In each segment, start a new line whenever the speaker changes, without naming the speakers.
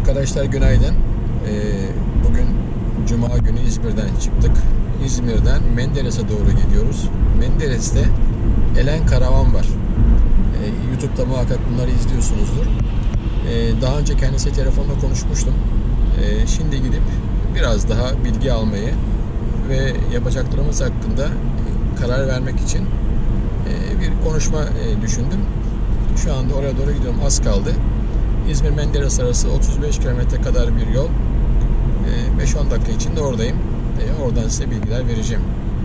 Arkadaşlar günaydın. Bugün Cuma günü İzmir'den çıktık. İzmir'den Menderes'e doğru gidiyoruz. Menderes'te Elen Karavan var. YouTube'da muhakkak bunları izliyorsunuzdur. Daha önce kendisiyle telefonla konuşmuştum. Şimdi gidip biraz daha bilgi almayı ve yapacaklarımız hakkında karar vermek için bir konuşma düşündüm. Şu anda oraya doğru gidiyorum. Az kaldı. İzmir-Menderes arası 35 kilometre kadar bir yol. 5-10 dakika içinde oradayım. Oradan size bilgiler vereceğim.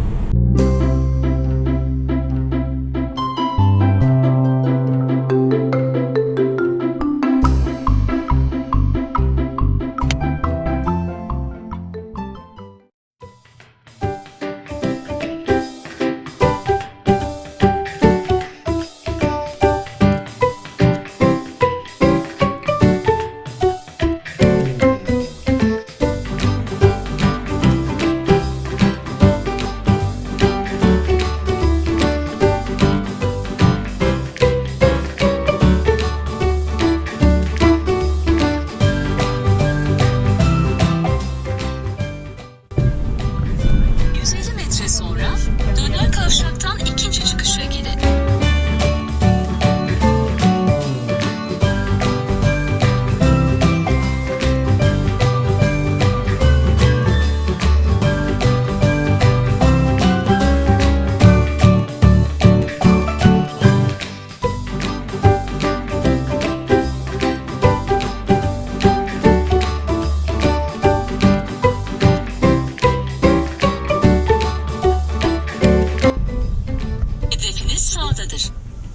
Sağdadır.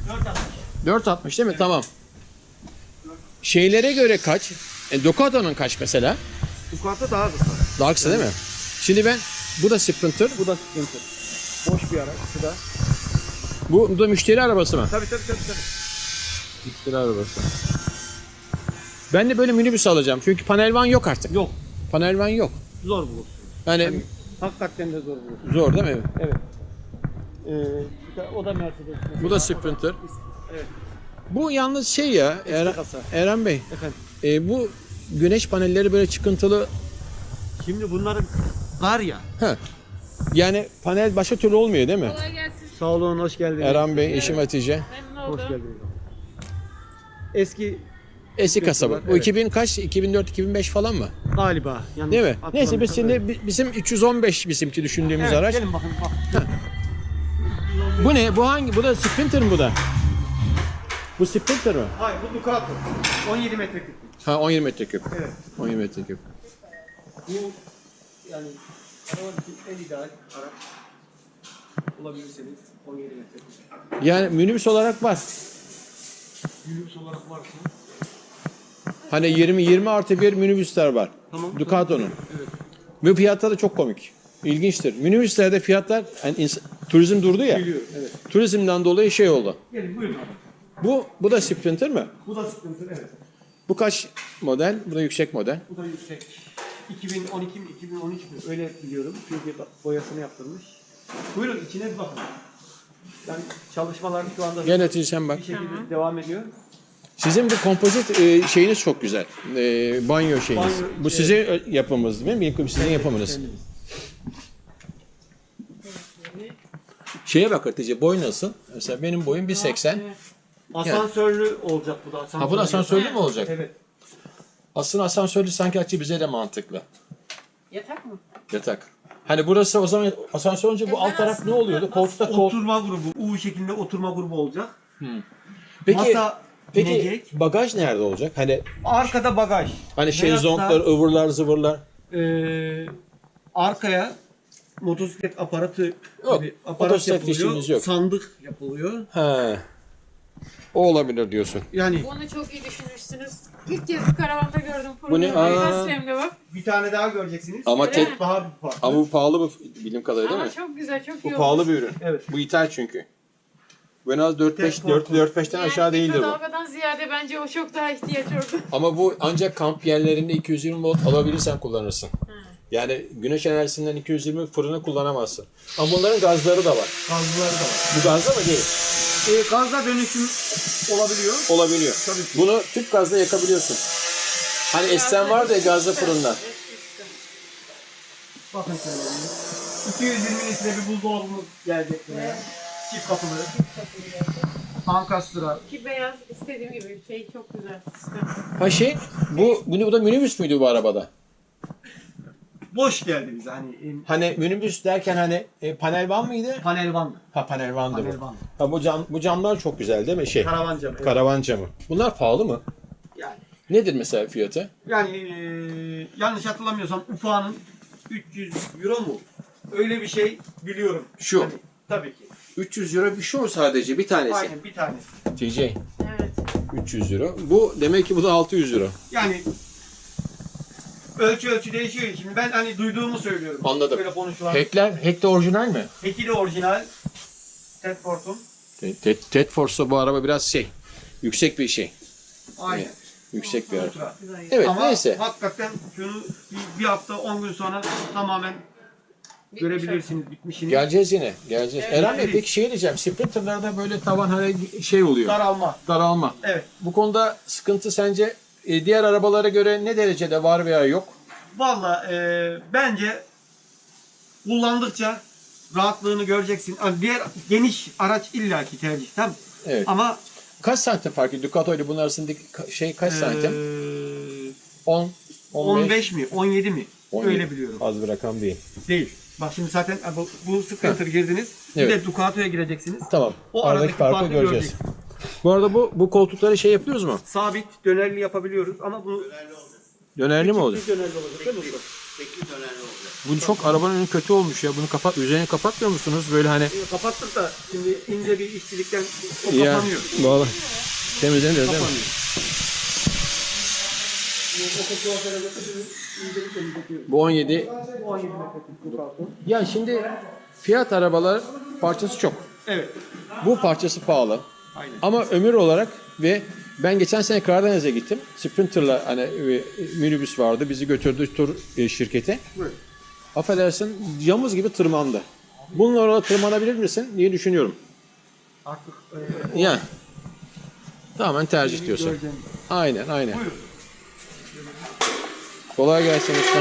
4.60 değil mi? Evet. Tamam. Şeylere göre kaç? Ducato'nun kaç mesela?
Ducato daha kısa.
Daha kısa değil mi? Şimdi bu da Sprinter.
Bu da Sprinter. Boş bir araç. Bu da.
Bu da müşteri arabası mı?
Tabii.
Müşteri arabası. Ben de böyle minibüs alacağım. Çünkü panel van yok artık.
Yok.
Panel van yok.
Zor bulursun.
Yani
Hakikaten de zor bulursun.
zor değil mi?
Evet. O da Mercedes. Mesela.
Bu da Sprinter.
Evet.
Bu yalnız şey ya
kasa.
Eren Bey.
Efendim.
Bu güneş panelleri böyle çıkıntılı.
Şimdi bunların var ya.
Yani panel başka türlü olmuyor değil mi?
Kolay gelsin.
Sağ olun, hoş geldiniz.
Eren Bey, eşim Hatice.
Memnun oldum.
Hoş geldiniz. Eski
Eski kasaba. Bu
Evet.
2000 kaç? 2004-2005 falan mı?
galiba. Yani
Değil mi? Neyse biz
hatırlamıyorsam
şimdi bizim 315 bizimki düşündüğümüz
evet,
araç.
gelin bakın bak.
Bu ne? Bu hangi? Bu da Sprinter mi bu da? Bu Sprinter mi?
Hayır, bu Ducato. 17 metreküp.
Ha 17 metreküp.
Evet.
17 metreküp.
Bu yani arabanın için en ideal araç bulabilirseniz 17 metreküp.
Yani minibüs olarak var.
Minibüs olarak varsa
Hani 20 artı bir minibüsler var.
tamam.
Ducato'nun.
Evet.
Ve fiyatları çok komik. İlginçtir. Minibüslerde fiyatlar yani turizm durdu ya.
Biliyorum, evet.
Turizmden dolayı şey oldu.
Gelin buyurun abi.
Bu da Sprinter mi?
Bu da Sprinter, evet.
Bu kaç model? Bu da yüksek model.
Bu da yüksek. 2012 mi 2013 mi öyle biliyorum. Çünkü boyasını yaptırmış. Buyurun içine bir bakın. Yani çalışmalar şu anda
Gel Hatice sen bak.
bir şekilde devam ediyor.
Sizin bu kompozit şeyiniz çok güzel. Banyo şeyiniz.
Banyo,
Bu sizin yapımınız değil mi? Benim sizin yapımınız.
Kendimiz.
Şeye bak Hatice, boy nasıl? Mesela benim boyum 1.80.
Asansörlü olacak bu da.
Ha bu da asansörlü mü olacak?
Evet.
Aslında asansörlü sanki Hatice bize de mantıklı.
Yatak mı?
Yatak. Hani burası o zaman asansör olunca bu alt taraf ne oluyordu? Koltukta
Oturma grubu, U şeklinde oturma grubu olacak.
Peki,
Masa
peki
inecek.
bagaj nerede olacak?
Arkada bagaj.
Hani
Veyahut da,
şezlonglar, ıvırlar, zıvırlar.
Arkaya motosiklet aparatı
Yok,
gibi aparat
motosiklet işimiz
yapılıyor.
yok.
Sandık yapılıyor.
He. O olabilir diyorsun.
Yani
Bunu çok iyi düşünmüşsünüz. İlk kez bu karavanda gördüm.
Bu ne?
Nasıl hem de bak.
bir tane daha göreceksiniz.
Ama
Öyle
tek
mi?
Daha bir farklı.
ama bu pahalı bir bildiğim kadarıyla değil
Ama
mi?
çok güzel, çok iyi
Bu
olmuş.
pahalı bir ürün.
Evet.
Bu ithal çünkü. Bu en az 4-5'ten
Yani
aşağı değildir bu.
mikrodalgadan ziyade bence o çok daha ihtiyaç oldu.
Ama bu ancak kamp yerlerinde 220 volt alabilirsen kullanırsın. Yani güneş enerjisinden 220 fırını kullanamazsın. Ama bunların gazları da var.
Gazlıları da var.
Bu gazda mı değil?
Gazla dönüşüm olabiliyor.
Olabiliyor.
Tabii ki.
Bunu tüp gazla yakabiliyorsun. Hani esten vardı ya gazlı fırında.
Bakın şöyle. 220 litre bir buzdolabımız gelecek buraya. Çift kapılı. Ankastra.
Ki beyaz istediğim gibi şey çok güzel.
Ha şey, bu da minibüs müydü bu arabada?
Boş geldi bize hani
Hani minibüs derken hani panel van mıydı?
panel van.
Ha panel vandı
Panel
bu.
van.
Ha bu camlar çok güzel değil mi?
Karavan camı. Evet.
Karavan camı. Bunlar pahalı mı?
Yani,
Nedir mesela fiyatı?
yanlış hatırlamıyorsam ufağının 300 euro mu? Öyle bir şey biliyorum.
Şu.
Hani, tabii ki.
300 euro bir şu sadece bir tanesi.
Aynen bir tanesi.
TJ
Evet.
300 euro. Bu demek ki bu da 600 euro.
Yani ölçü değişiyor. Şimdi ben hani duyduğumu söylüyorum.
Anladım.
Böyle konuşulan.
Hack de orijinal mi?
Heki de orijinal. Tedford'un.
Tedford'sa bu araba biraz şey. Yüksek bir şey.
Aynen.
Yüksek bir araba.
Ultra.
Evet
Ama
neyse.
hakikaten şunu bir hafta 10 gün sonra tamamen görebilirsiniz bitmişini.
Geleceğiz yine. Geleceğiz.
Evet,
Eren Bey
evet.
peki şey diyeceğim. Sprinter'larda böyle tavan hani şey oluyor.
Daralma.
Daralma.
Evet.
Bu konuda sıkıntı sence diğer arabalara göre ne derecede var veya yok?
Valla bence kullandıkça rahatlığını göreceksin. Yani diğer geniş araç illaki tercih. Tabii.
Evet.
Ama
Kaç santim fark ediyor? Ducato ile bunun arasındaki şey kaç santim? 10,
15 mi? 17 mi?
17.
Öyle biliyorum.
Az bir rakam değil.
Değil. Bak şimdi zaten bu Sprinter girdiniz. Bir
Evet.
de Ducato'ya gireceksiniz.
Tamam.
O
Aradaki
aradaki
farkı
farkı
göreceğiz.
göreceksiniz.
Bu arada bu koltukları şey yapıyoruz mu?
Sabit dönerli yapabiliyoruz ama bunu
Dönerli mi olacak?
dönerli olacak değil mi usta?
Bu çok arabanın önü kötü olmuş ya. Bunu üzerine kapatmıyor musunuz? Böyle hani
Kapattık da şimdi ince bir işçilikten o
ya
kapanıyor.
vallahi temizleniyor değil mi?
Kapanıyor. O kutuya götürüyoruz. İncelik temizletiyoruz.
Bu 17.
Bu 17 metreküp Ducato.
Ya şimdi fiyat arabalar parçası çok.
Evet.
Bu parçası pahalı.
Aynen.
Ama ömür olarak ve ben geçen sene Karadeniz'e gittim. Sprinter'la hani minibüs vardı. Bizi götürdü tur şirkete.
Buyur.
Affedersin yamuz gibi tırmandı. Bununla orada tırmanabilir misin diye düşünüyorum.
Artık
Ya. Tamamen tercih diyorsun.
göreceğim.
Aynen aynen.
Buyurun.
Kolay gelsin ustam.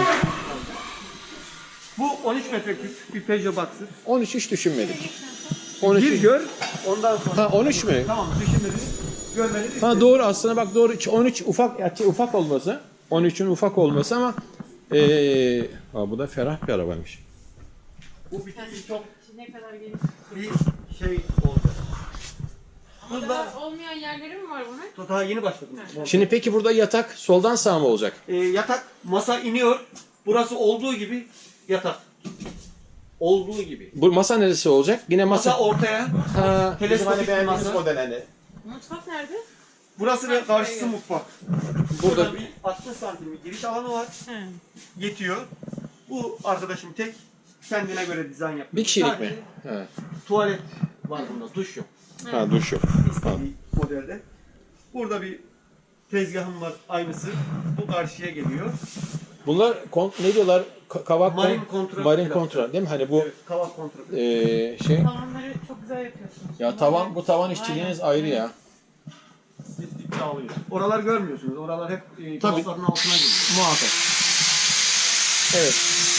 Bu 13 metreküp bir Peugeot Boxer.
13 hiç düşünmedik. 13
Bir gör, ondan sonra.
Ha 13 mü?
Tamam, düşünmediniz, görmediniz.
Ha doğru aslında bak doğru 13 ufak olması. 13'ün ufak olması ama ha, bu da ferah bir arabaymış.
Bu bitince çok
Ne kadar geniş.
bir şey oldu.
Ama daha olmayan yerleri mi var bunun?
Daha yeni başladım.
Şimdi peki burada yatak soldan sağ mı olacak?
Yatak, masa iniyor. Burası olduğu gibi yatak. Olduğu gibi.
Bu masa neresi olacak? Yine
Masa ortaya.
Ha,
Teleskopik
bizim hani
bir masa.
model hani.
Mutfak nerede?
Burası ve karşısı mutfak.
Burada
Burada bir 60 santim bir giriş alanı var.
He.
Yetiyor. Bu arkadaşım tek kendine göre dizayn yapıyor.
bir kişilik
Sadece
mi? Ha.
tuvalet var bunda, duş yok.
Ha duş yok.
İstediği modelde. Burada bir tezgahım var aynısı. Bu karşıya geliyor.
Bunlar ne diyorlar? Kavak
Marine kontra.
Marine kontra değil mi? Hani bu
Evet, kavak kontra.
şey
Tavanları çok güzel yapıyorsunuz.
ya bu tavan işçiliğiniz ayrı ya.
Dağılıyor. Oralar görmüyorsunuz. Oralar hep
Tabii.
kalıpların altına giriyor.
Muhakkak. Evet.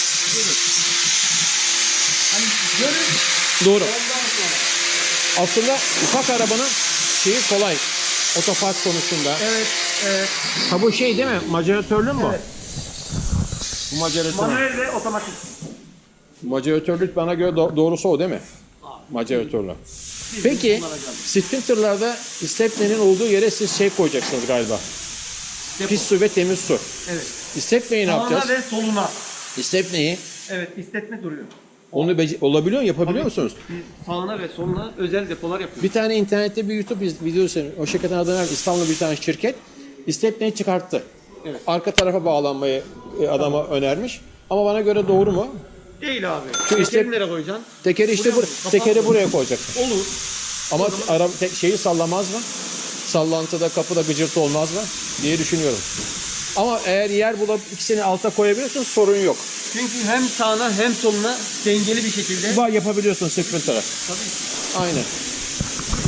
Hani görün.
Doğru.
Ondan sonra.
Aslında ufak arabanın şeyi kolay. Otopark konusunda.
Evet. Evet.
Ha bu şey değil mi? Maceratörlü mü?
Evet.
Bu maceratör.
Manuel ve otomatik.
Maceratörlük bana göre doğrusu o değil mi? Maceratörlü. Peki Sprinter'larda stepnenin olduğu yere siz şey koyacaksınız galiba.
Depo.
Pis su ve temiz su.
Evet.
Stepneyi ne
Sağına
yapacağız?
ve soluna.
Stepneyi
Evet, istetme duruyor.
onu olabiliyor mu? Yapabiliyor
Tabii.
musunuz?
Bir sağına ve soluna özel depolar yapıyoruz.
Bir tane internette bir YouTube videosu, o şirketin adını verdim. İstanbul'da bir tane şirket stepneyi çıkarttı.
Evet.
Arka tarafa bağlanmayı adama önermiş. Ama bana göre doğru mu?
Değil abi.
Şu
Tekeri
istek-
nereye koyacaksın?
Tekeri işte
Buraya mı?
tekeri
Kapat mı?
buraya koyacaksın.
Olur.
Ama şeyi sallamaz mı? Sallantıda kapıda gıcırtı olmaz mı? Diye düşünüyorum. Ama eğer yer bulup ikisini alta koyabiliyorsun sorun yok.
Çünkü hem sağına hem soluna dengeli bir şekilde.
Bu yapabiliyorsun Sprinter'a.
Tabii.
Aynen.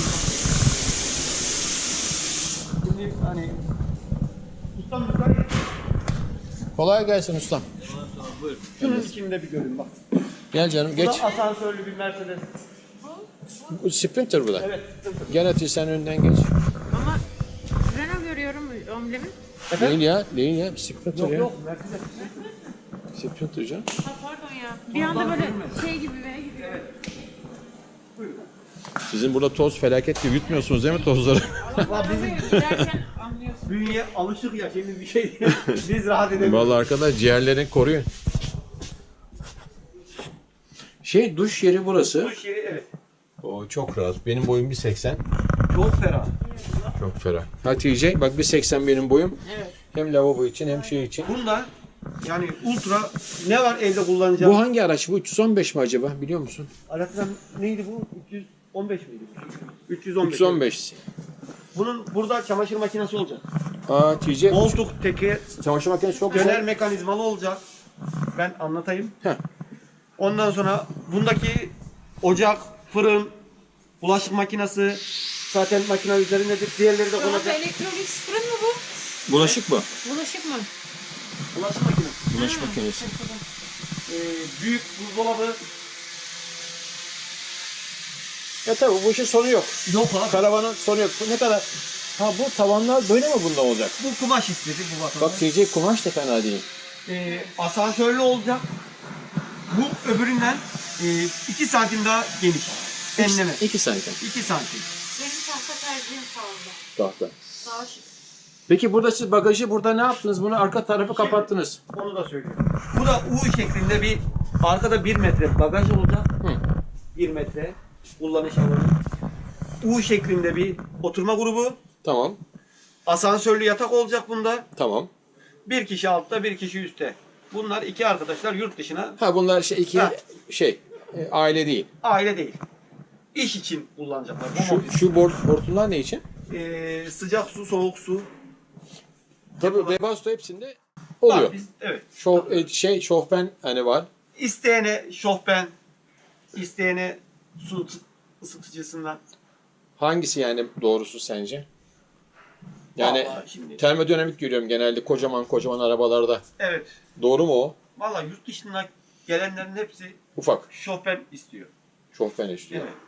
Şimdi hani ustam müsait.
Kolay gelsin ustam.
Şunun içinde bir görün bak.
Gel canım
Bu
geç.
da asansörlü bir Mercedes.
Bu Sprinter bu da.
Evet. Sıkıntı.
Gel Atilla sen önden geç.
Ama Renault görüyorum amblemin.
Değil ya. Değil ya. Sprinter
Yok
ya.
yok Mercedes.
Sprinter canım.
Ha pardon ya. Bir anda böyle şey gibi V gibi.
Evet. Buyurun.
Sizin burada toz felaket gibi yutmuyorsunuz değil mi tozları?
Valla bizim
Giderken anlıyorsun.
bünye alışık ya şimdi bir şey. Biz rahat edemiyoruz.
Vallahi arkadaş ciğerlerini koruyun. Duş yeri burası.
Duş yeri evet.
O çok rahat. Benim boyum 1.80.
Çok ferah.
Çok ferah. Hatice bak 1.80 benim boyum.
Evet.
Hem lavabo için hem şey için.
Bunda yani ultra ne var evde kullanacağım?
Bu hangi araç? Bu 315 mi acaba? Biliyor musun?
Araçtan neydi bu? 315 miydi? 315.
315.
Bunun burada çamaşır makinesi olacak.
Hatice
Koltuk teki
çamaşır makinesi çok
döner
güzel.
mekanizmalı olacak. Ben anlatayım.
Heh.
Ondan sonra bundaki ocak, fırın, bulaşık makinesi zaten makine üzerindedir. Diğerleri de
Dolap
konacak.
elektronik fırın mı bu?
Bulaşık mı?
Bulaşık mı?
Bulaşık makinesi.
Bulaşık makinesi.
Büyük buzdolabı.
Ya tabii bu işin sonu yok.
Yok abi.
Karavanın sonu yok. Ne kadar? Ha bu tavanlar böyle mi bunda olacak?
Bu kumaş istedi bu vatandaş.
Bak TC kumaş da fena değil.
Asansörlü olacak. Bu öbüründen 2 santim daha geniş. Enleme.
2 santim.
2 santim.
Benim tahta tercihim sağında.
Tahta.
Sağ şık.
Peki burada siz bagajı burada ne yaptınız? Bunu arka tarafı kapattınız.
Onu da söyleyeyim. Bu da U şeklinde bir arkada 1 metre bagaj olacak.
Hı.
1 metre kullanış alanı. U şeklinde bir oturma grubu.
Tamam.
Asansörlü yatak olacak bunda.
Tamam.
Bir kişi altta, bir kişi üstte. Bunlar iki arkadaşlar yurt dışına
Ha bunlar iki
Ha.
aile değil.
aile değil. İş için kullanacaklar. Bu
Şu hortumlar ne için?
sıcak su, soğuk su.
Tabii Webasto hepsinde oluyor.
Var, evet.
Şofben hani var.
İsteyene şofben, isteyene su ısıtıcısından.
Hangisi yani doğrusu sence? Yani
Vallahi şimdi.
termodinamik görüyorum genelde kocaman arabalarda.
Evet.
Doğru mu o?
Vallahi yurt dışından gelenlerin hepsi
Ufak.
şofben istiyor.
Şofben istiyor.
Evet.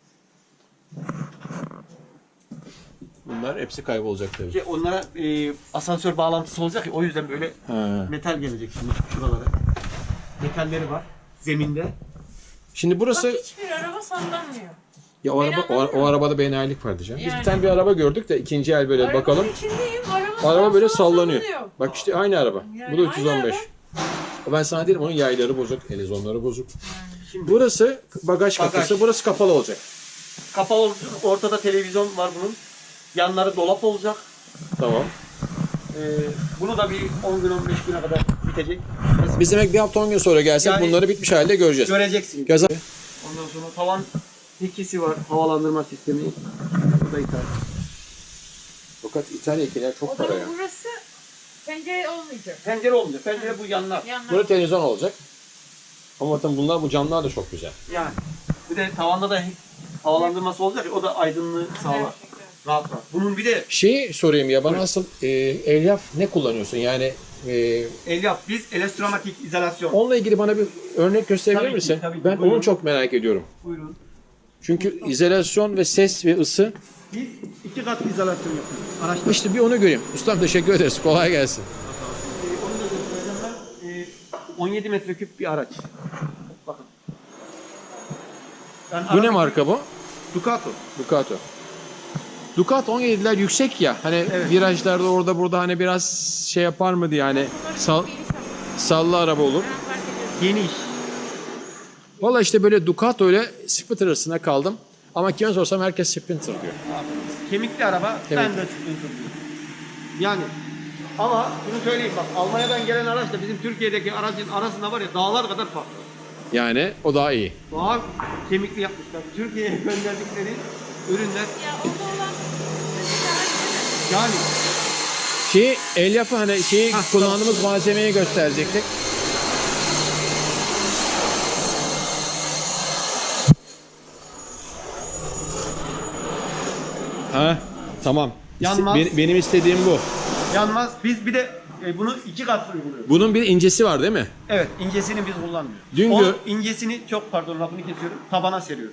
Bunlar hepsi kaybolacak tabii.
Onlara asansör bağlantısı olacak ya o yüzden böyle
Ha.
metal gelecek şimdi şuralara. Metalleri var zeminde.
Şimdi burası
Bak hiçbir araba sallanmıyor.
ya o
Beni
araba
anladın
o
mı?
arabada benayilik vardı canım. Biz bir
Yani.
tane bir araba gördük de ikinci el böyle
Arabanın
bakalım.
içindeyim.
Araba böyle
sağa
sallanıyor.
sallanıyor.
Bak işte aynı araba.
Yani
Bu da
aynı
315.
araba.
Ben sana dedim onun yayları bozuk, elezonları bozuk.
Şimdi
Burası bagaj kapısı, burası kapalı olacak.
kapalı olacak. Ortada televizyon var bunun. Yanları dolap olacak.
Tamam.
Bunu da bir 10 gün 15 güne kadar bitecek.
Biz demek bir hafta 10 gün sonra gelsek
Yani-
bunları bitmiş halde göreceğiz.
Göreceksin.
Gaza
Ondan sonra tavan ikisi var. Havalandırma sistemi. Bu da ithal.
fakat İtalyakiler çok
O
para
zaman
ya.
burası pencere olmayacak.
Pencere olmayacak. Pencere bu yanlar.
Yanlar.
Burada televizyon olacak. Ama bakın bu camlar da çok güzel.
Yani. Bir de tavanda da havalandırması olacak ya, o da aydınlığı sağlar.
Gerçekten.
Rahat rahat. Bunun bir de
Şeyi sorayım ya bana asıl elyaf ne kullanıyorsun? Yani
elyaf biz elektromatik izolasyon.
onunla ilgili bana bir örnek gösterebilir
Tabii ki,
misin?
tabii ki.
Ben
Buyurun.
onu çok merak ediyorum.
Buyurun.
Çünkü izolasyon ve ses ve ısı
Biz 2 kat izolasyon yapıyoruz. Araçta.
işte bir onu göreyim. Ustam teşekkür ederiz. Kolay gelsin.
Onu da göstereceğim ben. 17 metreküp bir araç. Bakın. Ben
Bu ne
araba-
marka bu?
Ducato.
Ducato. Ducato 17'ler yüksek ya. Hani
Evet.
virajlarda orada burada hani biraz şey yapar mı diye hani sallı araba olur.
Ben fark ediyorum.
Geniş.
Valla işte böyle Ducato ile Sprinter arasında kaldım. Ama kime sorsam herkes Sprinter diyor.
Kemikli araba ben de Sprinter diyorum. Yani ama bunu söyleyeyim bak Almanya'dan gelen araçla bizim Türkiye'deki aracın arasında var ya dağlar kadar fark var.
Yani o daha iyi.
Daha kemikli yapmışlar. Türkiye'ye gönderdikleri ürünler
Ya orada olan
yani
Elyafı hani kullandığımız malzemeyi gösterecektik. Ha, tamam.
Yanmaz.
Benim istediğim bu.
Yanmaz. Biz bir de bunu 2 kat uyguluyoruz.
Bunun bir incesi var değil mi?
Evet, incesini biz kullanmıyoruz.
Dün
O
gör-
incesini çok pardon lafını kesiyorum. Tabana seriyoruz.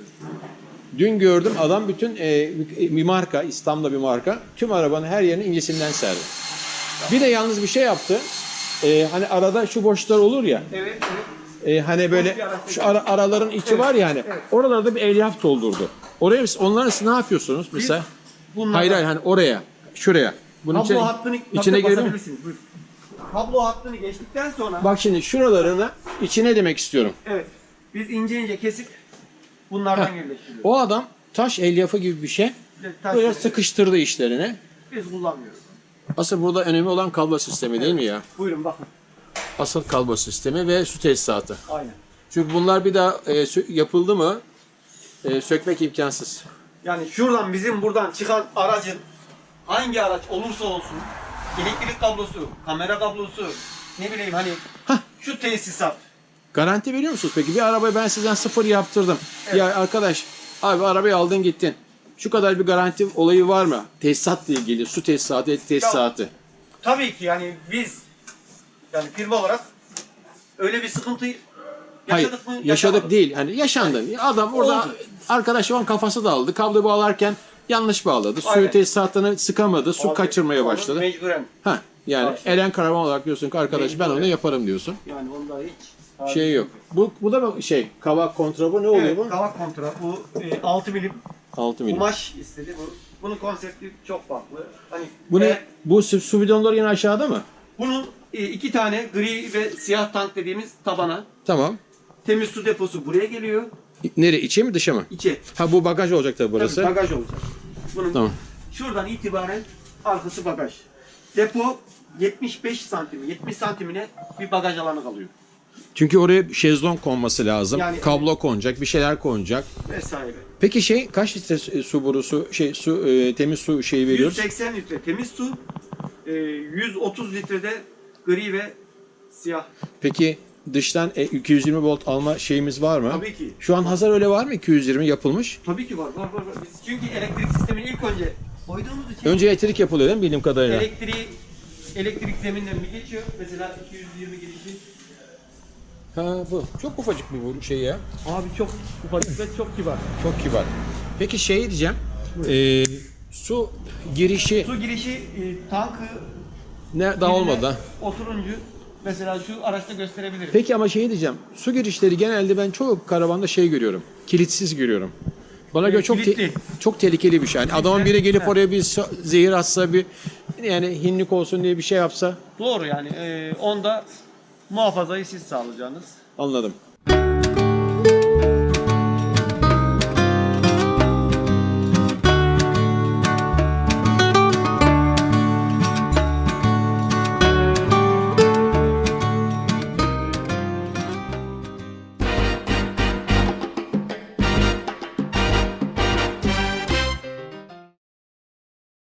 Dün gördüm adam bütün bir marka, İstanbul'da bir marka, tüm arabanın her yerini incesinden serdi. Bir de yalnız bir şey yaptı. Hani arada şu boşluklar olur ya.
Evet, evet.
Hani böyle
bir araç
şu araların içi var ya hani.
evet.
Oralarda bir elyaf doldurdu. Oraya onların siz ne yapıyorsunuz mesela?
Bunlardan-
Hayır hani oraya, şuraya. Bunun
Kablo hattını
içine girebilir mi?
basabilirsiniz. Buyurun. Kablo hattını geçtikten sonra
Bak şimdi şuralarını içine demek istiyorum.
evet. Biz ince kesip bunlardan yerleştiriyoruz.
O adam taş elyafı gibi bir şey
Taş
böyle
kesip
sıkıştırdı işlerini.
biz kullanmıyoruz.
Asıl burada önemli olan kablo sistemi değil mi ya?
Buyurun bakın.
Asıl kablo sistemi ve su tesisatı.
Aynen.
Çünkü bunlar bir daha yapıldı mı sökmek imkansız.
Yani şuradan bizim buradan çıkan aracın hangi araç olursa olsun elektrik kablosu, kamera kablosu, ne bileyim hani şu tesisat.
Garanti veriyor musunuz peki? Bir arabayı ben sizden sıfır yaptırdım.
Evet.
Ya arkadaş abi arabayı aldın gittin. Şu kadar bir garanti olayı var mı? Tesisatla ilgili, su tesisatı, et tesisatı.
Tabii ki yani biz yani firma olarak öyle bir sıkıntı
Hayır,
yaşadık mı?
yaşadık
Yaşamadık.
değil. Hani yaşandı. Adam orada
Oldu.
arkadaş olan kafası dağıldı. Kablo bağlarken yanlış bağladı. Suyu
Aynen.
tesisatını sıkamadı. Su
Abi,
kaçırmaya
onu
başladı.
Mecburen.
Ha yani
Başladı.
Eren Karaman olarak diyorsun ki arkadaş ben
Mecburen.
onu yaparım diyorsun.
Yani onda hiç
Şey yok. Bu da mı şey kavak kontrabı ne oluyor
Evet,
bu?
kavak kontra. Bu 6 milim
6 milim.
kumaş istedi. Bunun konsepti çok farklı. Hani
Bu ne?
eğer-
Bu su bidonları yine aşağıda mı?
Bunun 2 tane gri ve siyah tank dediğimiz tabana.
Tamam.
Temiz su deposu buraya geliyor.
Nereye? İçe mi dışa mı?
İçe.
Ha bu bagaj olacak tabii burası.
Tabii bagaj olacak. Bunun
Tamam.
şuradan itibaren arkası bagaj. Depo 75 santim, 70 santimine bir bagaj alanı kalıyor.
Çünkü oraya şezlong konması lazım.
Yani-
Kablo konacak, bir şeyler konacak.
Vesaire.
Peki kaç litre su borusu temiz su şeyi veriyoruz?
180 litre temiz su, 130 litrede gri ve siyah.
Peki dıştan 220 volt alma şeyimiz var mı?
Tabii ki.
Şu an hazır öyle var mı 220 yapılmış?
Tabii ki var. Biz çünkü elektrik sistemini ilk önce koyduğumuz için
Önce elektrik yapılıyor değil mi bildiğim kadarıyla?
elektrik zeminden bir geçiyor. Mesela 220 girişi.
Ha bu. Çok ufacık bir bu şey ya.
Abi çok ufacık ve çok kibar.
Çok kibar. Peki diyeceğim. Su girişi
Su girişi tankı
ne daha olmadı ha?
oturuncu mesela şu araçta gösterebilirim.
Peki ama diyeceğim. Su girişleri genelde ben çok karavanda görüyorum. Kilitsiz görüyorum. Bana göre
kilitli.
çok tehlikeli bir şey. Yani adamın biri gelip
Evet.
oraya bir zehir atsa bir yani hinlik olsun diye bir şey yapsa
Doğru yani onda muhafazayı siz sağlayacaksınız.
anladım.